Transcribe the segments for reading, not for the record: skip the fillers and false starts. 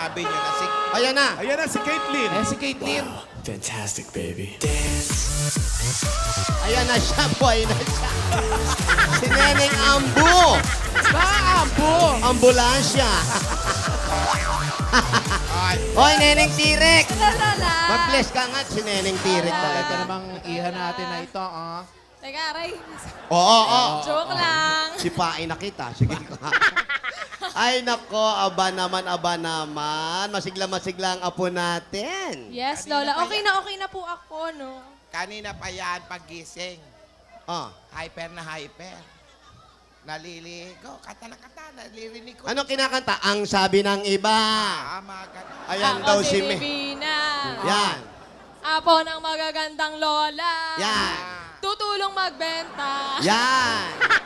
sinabi niyo na si... Ayan na. Ayan na si Caitlyn. Eh, si Caitlyn. Fantastic, baby. Ayan na siya, boy na siya. Si Neneng Ambu. Ambo! Ambulansya. Hoy, Neneng Tirek. Lola! Mag-bless ka nga si Neneng Tirek Ito talaga. namang iha natin na ito, ah. Teka, aray. Oo. Joke lang. Sipain na kita. Sige ka. Ay, nako. Aba naman. Masigla-masigla ang apo natin. Yes, Kanina Lola. pa Okay na po ako, no? Kanina pa yan, pagising. Ah. Hyper na hyper. Naliligo. Kata na kata. Nalirinig ko. Anong kinakanta? Ang sabi ng iba. Mga ganun. Ayan Ako daw si si Me. Divina. Yan. Apo ng magagandang Lola. Yan. Tutulong magbenta. Yan.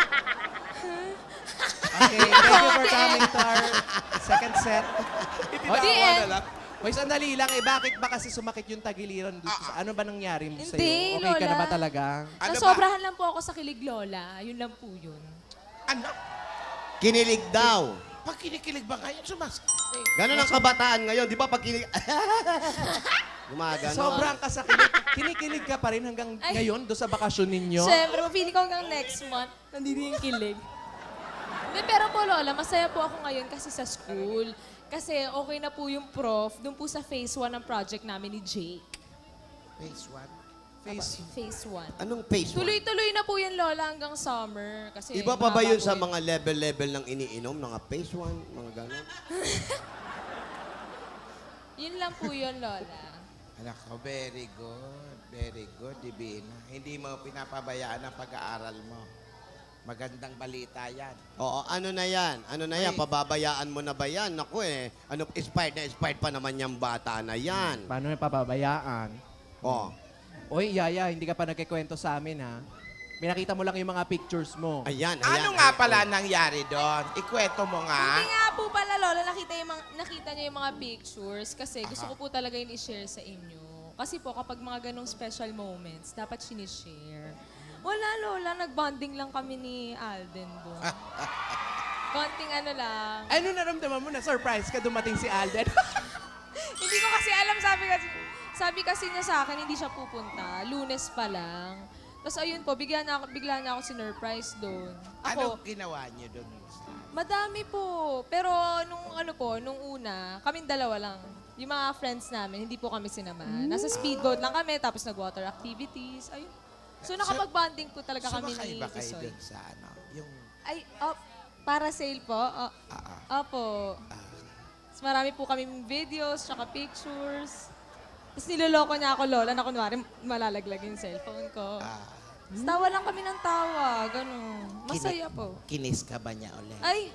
Okay, thank you for coming to our second set. The end. Hoy, sandali lang eh. Bakit ba kasi sumakit yung tagiliran dito? Ano ba nangyari mo sa'yo? Hindi, Okay ka na Lola. ba talaga? Ano ba? Nasobrahan lang po ako sa kilig, Lola. Yun lang po yun. Ano? Kinilig daw. Pag kinikilig ba kayo, Ganun ang kabataan ngayon. Di ba pag kinilig... Gumagano. Sobrang kasakilig. Kinikilig ka pa rin hanggang Ay. ngayon doon sa bakasyon ninyo? Siyempre, mapili ko hanggang next month. Nandito yung kilig. Hindi, pero po, Lola, masaya po ako ngayon kasi sa school. Kasi okay na po yung prof dun po sa phase 1 ng project namin ni Jake. Phase 1. Phase 1. Anong phase one? Tuloy-tuloy na po yan, Lola, hanggang summer. Kasi Iba pa ba yun mahaba sa po mga level-level ng iniinom? Mga phase 1, mga gano'n? Yun lang po yun, Lola. Anak ko, very good. Very good, Divina. Hindi mo pinapabayaan ang pag-aaral mo. Magandang balita yan. Oo, ano na yan? Ano na yan? Ay. Pababayaan mo na ba yan? Naku ano, expired pa naman yung bata na yan. Paano yung pababayaan? Oh. Oy, Yaya, hindi ka pa nagkikwento sa amin, ha? Pinakita mo lang yung mga pictures mo. Ayan. Ano nga pala nangyari doon? Ikwento mo nga. Hindi nga po pala, Lola, nakita niyo yung mga pictures kasi gusto ko po talaga yung i-share sa inyo. Kasi po, kapag mga ganong special moments, dapat sinishare. Wala, Lola. Nag-bonding lang kami ni Alden doon. Konting ano lang. Ano naramdaman mo na surprise ka dumating si Alden? Hindi ko kasi alam, sabi kasi niya sa akin, hindi siya pupunta. Lunes pa lang. Tapos ayun po, bigla na ako sinurprise doon. Anong ginawa niyo doon? Madami po. Pero nung una, kaming dalawa lang. Yung mga friends namin, hindi po kami sinamahan. Nasa speedboat lang kami, tapos nag-water activities. Ayun. So nakapag-bonding po talaga kami Sumakay ni ba kayo Tisoy. doon sa ano? Yung... Ay, para sale po? Opo. Tapos marami po kaming videos, tsaka pictures. Tapos niloloko niya ako, Lola, na kunwari malalaglag yung cellphone ko. Tapos tawa lang kami ng tawa, gano'n. Masaya po. Kinis ka ba niya ulit? Ay!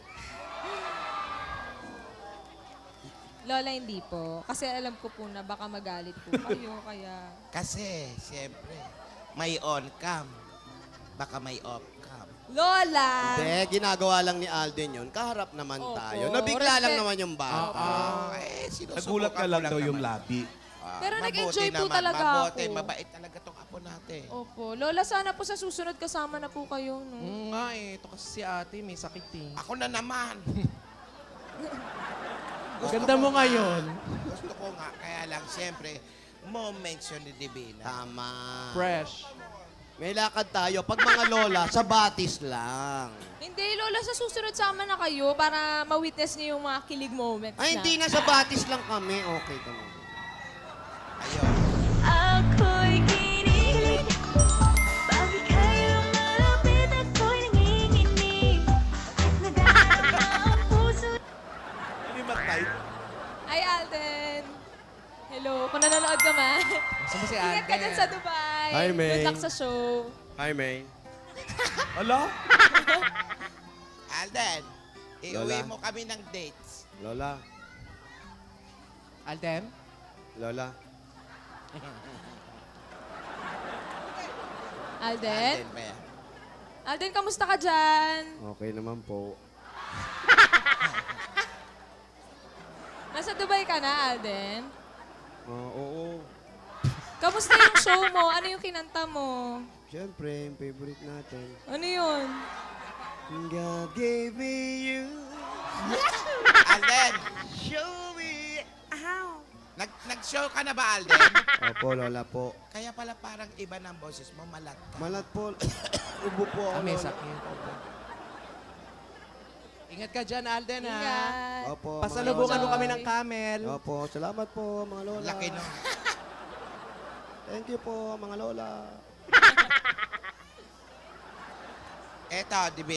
Lola, hindi po. Kasi alam ko po na baka magalit po kayo, kaya... Kasi, siyempre, may on-cam. Baka may off-cam. Lola! Hindi, ginagawa lang ni Alden yun. Kaharap naman Opo. tayo. Nabigla lang Respect. naman yung bata. Sinusubukan Nagulat ka ko lang daw yung naman. labi. Pero Mabuti nag-enjoy po naman, talaga mabuti, ako. mabait talaga tong apo natin. Opo. Lola, sana po sa susunod kasama na po kayo, no? Nga eh. Ito kasi si ate, may sakit eh. Ako na naman. Ganda mo ngayon. Gusto ko nga, kaya lang, siyempre, moments yun ni Divina. Tama. Fresh. May lakad tayo. Pag mga lola, sa batis lang. Hindi, Lola, sa susunod sama na kayo para ma-witness niyo yung mga kilig moments Ay, na. hindi na sa batis lang kami. Okay ka mo. Ayun. Ako'y kinilig. Bakit kayo malapit ako'y nanginginig? Naghahanap ang puso. Hindi matay. Ay, Alden. Hello, kung nanonood ka man. Gusto mo si Ingat ka dyan Alden? sa Dubai. Hi, May. Good luck sa show. Hi, May. Ala? Alden, iuwi Lola. mo kami ng dates. Lola. Alden? Lola. Alden? Alden ba yan? Alden, kamusta ka dyan? Okay naman po. Nasa Dubai ka na, Alden? Oo. Kamusta yung show mo? Ano yung kinanta mo? Siyempre, yung favorite natin. Ano yun? God gave me you. Alden, Show me Nag-show ka na ba, Alden? Opo, lola po. Kaya pala parang iba ng boses mo, malat ka. Malat po. Ubo po ako, May lola. sakit. Ingat ka dyan, Alden, ha? Ingat. Opo, Pasalubungan mo lola. kami ng camel. Opo, salamat po, mga lola. Laki no. Thank you po, mga lola. Eto, di ba?